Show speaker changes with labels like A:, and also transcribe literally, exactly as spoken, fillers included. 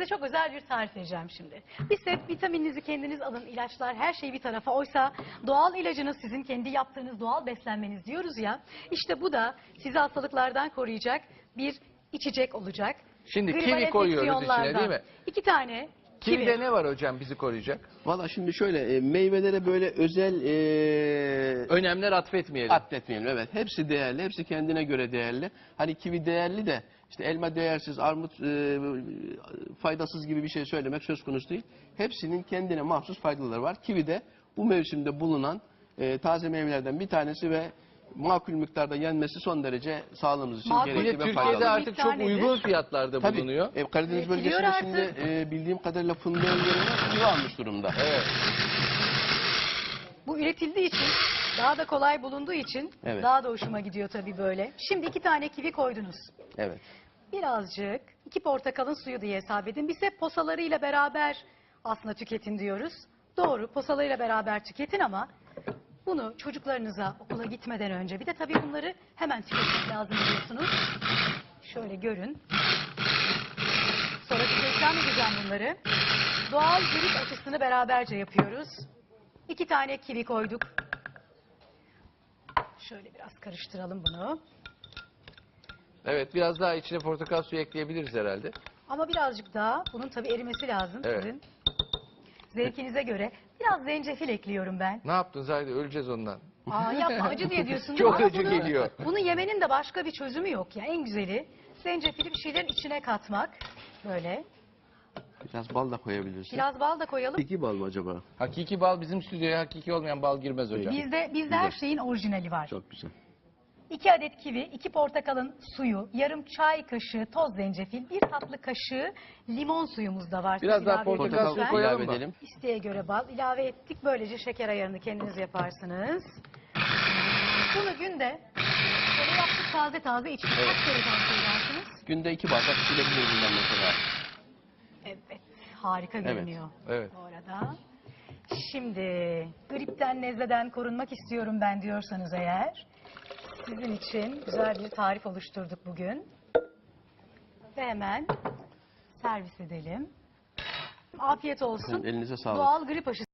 A: size çok özel bir tarif vereceğim şimdi. Bir set vitamininizi kendiniz alın, ilaçlar, her şey bir tarafa. Oysa doğal ilacınız sizin kendi yaptığınız doğal beslenmeniz diyoruz ya. İşte bu da sizi hastalıklardan koruyacak bir içecek olacak.
B: Şimdi
A: Gribal
B: kivi koyuyoruz içine
A: enfeksiyonlardan.
B: değil mi?
A: İki tane kivi.
B: Kivide ne var hocam bizi koruyacak?
C: Valla şimdi şöyle e, meyvelere böyle özel e,
B: Önemler atfetmeyelim.
C: atletmeyelim. Evet, hepsi değerli, hepsi kendine göre değerli. Hani kivi değerli de işte elma değersiz, armut e, faydasız gibi bir şey söylemek söz konusu değil. Hepsinin kendine mahsus faydaları var. Kivi de bu mevsimde bulunan e, taze meyvelerden bir tanesi ve makul miktarda yenmesi son derece sağlığımız için
A: Makul.
B: Bir de
C: gerekli ve
B: Türkiye'de
C: faydalı.
B: artık çok
A: Miktar
B: uygun
A: nedir?
B: fiyatlarda
C: Tabii,
B: bulunuyor.
C: e, Karadeniz
A: Üretiliyor
C: bölgesinde
A: artık.
C: şimdi e, bildiğim kadarıyla fındığın yerine kivi almış durumda.
B: Evet.
A: Bu üretildiği için, daha da kolay bulunduğu için
C: Evet.
A: daha da hoşuma gidiyor tabii böyle. Şimdi iki tane kivi koydunuz.
C: Evet.
A: Birazcık iki portakalın suyu diye hesap edin. Biz hep posalarıyla beraber aslında tüketin diyoruz. Doğru, posalarıyla beraber tüketin ama bunu çocuklarınıza okula gitmeden önce, bir de tabii bunları hemen tüketmek lazım biliyorsunuz. Şöyle görün. Sonra size ikram edeceğim bunları. Doğal grip aşısını beraberce yapıyoruz. İki tane kivi koyduk. Şöyle biraz karıştıralım bunu.
B: Evet, biraz daha içine portakal suyu ekleyebiliriz herhalde.
A: Ama birazcık daha bunun tabii erimesi lazım
B: Evet.
A: sizin. Zevkinize göre. Biraz zencefil ekliyorum ben.
B: Ne yaptın Zahide? Öleceğiz ondan.
A: Aa yapma, acı diye diyorsun.
B: Çok
A: Ama
B: acı
A: bunu-
B: geliyor.
A: Bunu yemenin de başka bir çözümü yok ya. En güzeli zencefili bir şeylerin içine katmak. Böyle.
C: Biraz bal da koyabilirsin.
A: Biraz bal da koyalım.
C: İki bal mı acaba?
B: Hakiki bal bizim stüdyoya hakiki olmayan bal girmez hocam.
A: Bizde, bizde her şeyin orijinali var.
C: Çok güzel.
A: İki adet kivi, iki portakalın suyu, yarım çay kaşığı toz zencefil, bir tatlı kaşığı limon suyumuz da var.
B: Biraz
A: Siz
B: daha
A: ilave edin
B: portakal
A: lütfen.
B: suyu koyalım
C: ilave
B: mı?
C: edelim.
A: İsteğe göre bal ilave ettik. Böylece şeker ayarını kendiniz yaparsınız. Bunu günde böyle yaptık taze taze içtik. Kaç kere tavsiye edersiniz?
C: Günde iki bardak içilebilir bundan mesela.
A: Evet, harika görünüyor.
B: Evet.
A: Bu arada. Şimdi gripten, nezleden korunmak istiyorum ben diyorsanız eğer, sizin için güzel bir tarif oluşturduk bugün. Ve hemen servis edelim. Afiyet olsun.
C: Efendim, elinize sağlık.
A: Doğal grip aşısı.